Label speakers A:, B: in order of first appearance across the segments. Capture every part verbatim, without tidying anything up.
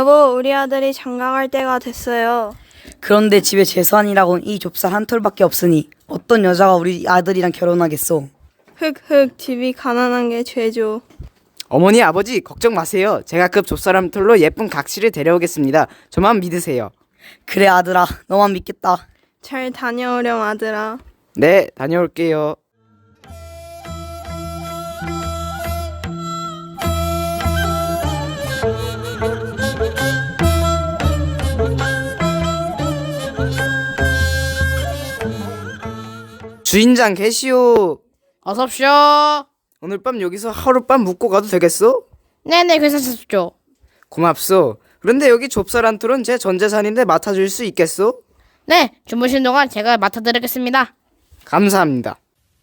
A: 여보, 우리 아들이 장가 갈 때가 됐어요.
B: 그런데 집에 재산이라곤 이 좁쌀 한 톨밖에 없으니 어떤 여자가 우리 아들이랑 결혼하겠소?
A: 흑흑, 집이 가난한 게 죄죠.
C: 어머니 아버지 걱정 마세요. 제가 급 좁쌀한 털로 예쁜 각시를 데려오겠습니다. 저만 믿으세요.
B: 그래 아들아, 너만 믿겠다.
A: 잘 다녀오렴, 아들아.
C: 네, 다녀올게요. 주인장 계시오.
D: 어섭쇼.
C: 오늘 밤 여기서 하룻밤 묵고 가도 되겠소?
D: 네네, 괜찮습쇼.
C: 고맙소. 그런데 여기 좁쌀 한 톨은 제 전재산인데 맡아줄 수 있겠소?
D: 네, 주무신 동안 제가 맡아드리겠습니다.
C: 감사합니다.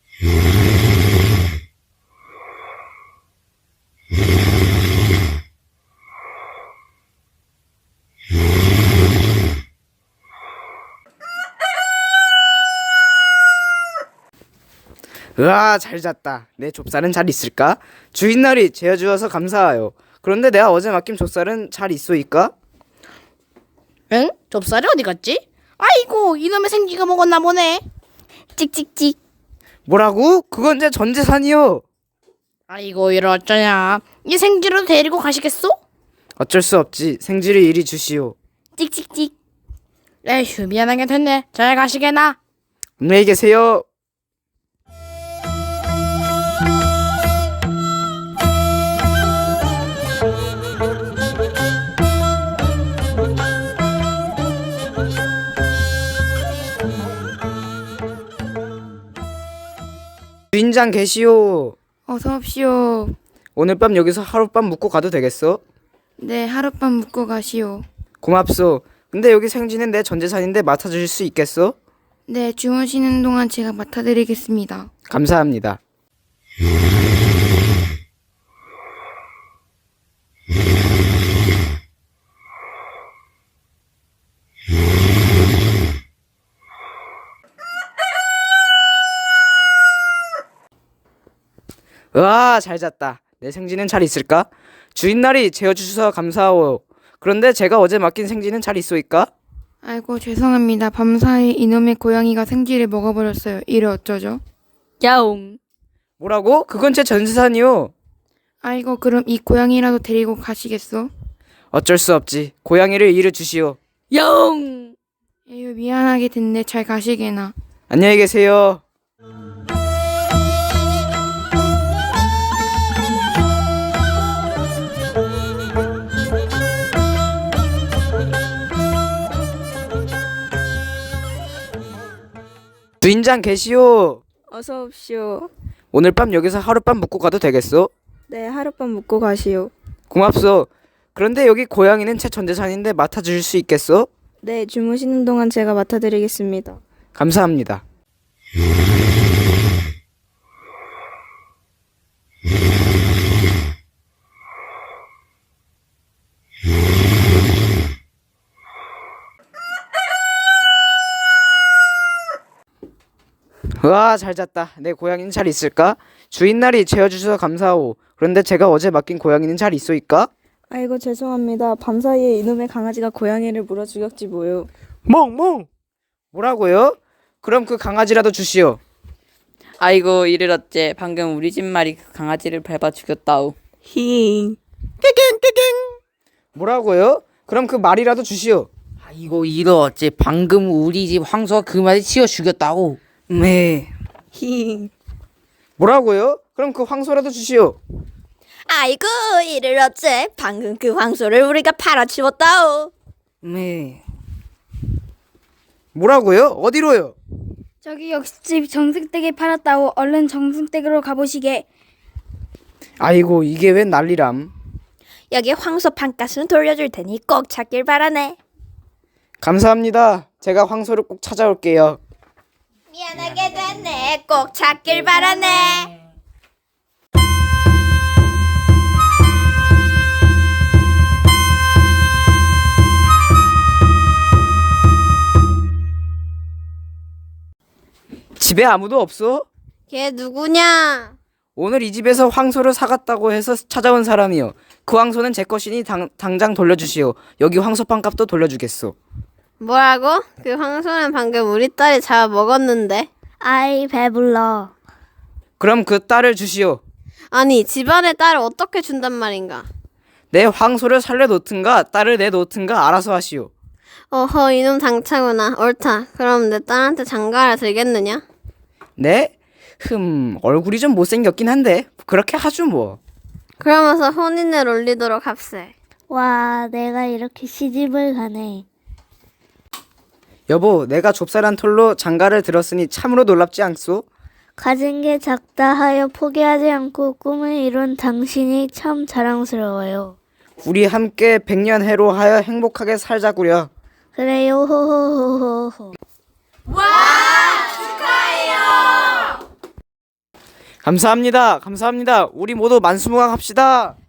C: 으아, 잘 잤다. 내 좁쌀은 잘 있을까? 주인날이 재워주어서 감사해요. 그런데 내가 어제 맡긴 좁쌀은 잘 있소이까?
D: 응? 좁쌀이 어디 갔지? 아이고, 이놈의 생쥐가 먹었나 보네. 찍찍찍.
C: 뭐라고? 그건 제 전재산이요.
D: 아이고, 이를 어쩌냐. 이 생쥐를 데리고 가시겠소?
C: 어쩔 수 없지. 생쥐를 이리 주시오.
D: 찍찍찍. 에휴, 미안하게 됐네. 잘 가시게나.
C: 안녕히 계세요. 주인장 계시오.
E: 어서 옵시오.
C: 오늘 밤 여기서 하룻밤 묵고 가도 되겠어?
E: 네, 하룻밤 묵고 가시오.
C: 고맙소. 근데 여기 생쥐는 내 전재산인데 맡아주실 수 있겠어?
E: 네, 주무시는 동안 제가 맡아드리겠습니다.
C: 감사합니다. 으아, 잘 잤다. 내 생쥐는 잘 있을까? 주인날이 재워주셔서 감사하오. 그런데 제가 어제 맡긴 생쥐는 잘 있소이까?
E: 아이고, 죄송합니다. 밤사이 이놈의 고양이가 생쥐를 먹어버렸어요. 이래 어쩌죠?
B: 야옹.
C: 뭐라고? 그건 제 전재산이요.
E: 아이고, 그럼 이 고양이라도 데리고 가시겠소?
C: 어쩔 수 없지. 고양이를 이리 주시오.
B: 야옹.
E: 에휴, 미안하게 됐네. 잘 가시게나.
C: 안녕히 계세요. 주인장 계시오.
A: 어서 옵시오.
C: 오늘 밤 여기서 하룻밤 묵고 가도 되겠소?
A: 네, 하룻밤 묵고 가시오.
C: 고맙소. 그런데 여기 고양이는 제 전재산인데 맡아주실 수 있겠소?
A: 네, 주무시는 동안 제가 맡아드리겠습니다.
C: 감사합니다. 우와, 잘 잤다. 내 고양이는 잘 있을까? 주인날이 재워주셔서 감사하오. 그런데 제가 어제 맡긴 고양이는 잘 있소이까?
A: 아이고, 죄송합니다. 밤사이에 이놈의 강아지가 고양이를 물어 죽였지 뭐요.
C: 멍멍! 뭐라고요? 그럼 그 강아지라도 주시오.
F: 아이고 이를 어째 방금 우리 집 말이 그 강아지를 밟아 죽였다우.
A: 힝.
C: 뭐라고요? 그럼 그 말이라도 주시오.
G: 아이고 이러 어째 방금 우리 집 황소가 그 말에 치워 죽였다고.
B: 네.
A: 힝.
C: 뭐라고요? 그럼 그 황소라도 주시오.
H: 아이고 이를 어째 방금 그 황소를 우리가 팔아치웠다오.
B: 네.
C: 뭐라고요? 어디로요?
I: 저기 역시집 정승댁에 팔았다오. 얼른 정승댁으로 가보시게.
C: 아이고 이게 웬 난리람.
H: 여기 황소 판가스는 돌려줄 테니 꼭 찾길 바라네.
C: 감사합니다. 제가 황소를 꼭 찾아올게요.
H: 미안하게 됐네. 꼭 찾길 바라네.
C: 집에 아무도 없어?
H: 걔 누구냐?
C: 오늘 이 집에서 황소를 사갔다고 해서 찾아온 사람이요. 그 황소는 제 것이니 당, 당장 돌려주시오. 여기 황소판 값도 돌려주겠소.
H: 뭐라고? 그 황소는 방금 우리 딸이 잡아 먹었는데.
I: 아이 배불러.
C: 그럼 그 딸을 주시오.
H: 아니 집안의 딸을 어떻게 준단 말인가?
C: 내 황소를 살려놓든가 딸을 내놓든가 알아서 하시오.
H: 어허 이놈 당차구나. 옳다. 그럼 내 딸한테 장가를 들겠느냐?
C: 네? 흠 얼굴이 좀 못생겼긴 한데 그렇게 하죠 뭐.
H: 그러면서 혼인을 올리도록 합세.
I: 와, 내가 이렇게 시집을 가네.
C: 여보, 내가 좁쌀한 톨로 장가를 들었으니 참으로 놀랍지 않소?
I: 가진 게 작다 하여 포기하지 않고 꿈을 이룬 당신이 참 자랑스러워요.
C: 우리 함께 백년해로 하여 행복하게 살자구려.
I: 그래요, 호호호호호.
C: 감사합니다. 감사합니다. 우리 모두 만수무강합시다.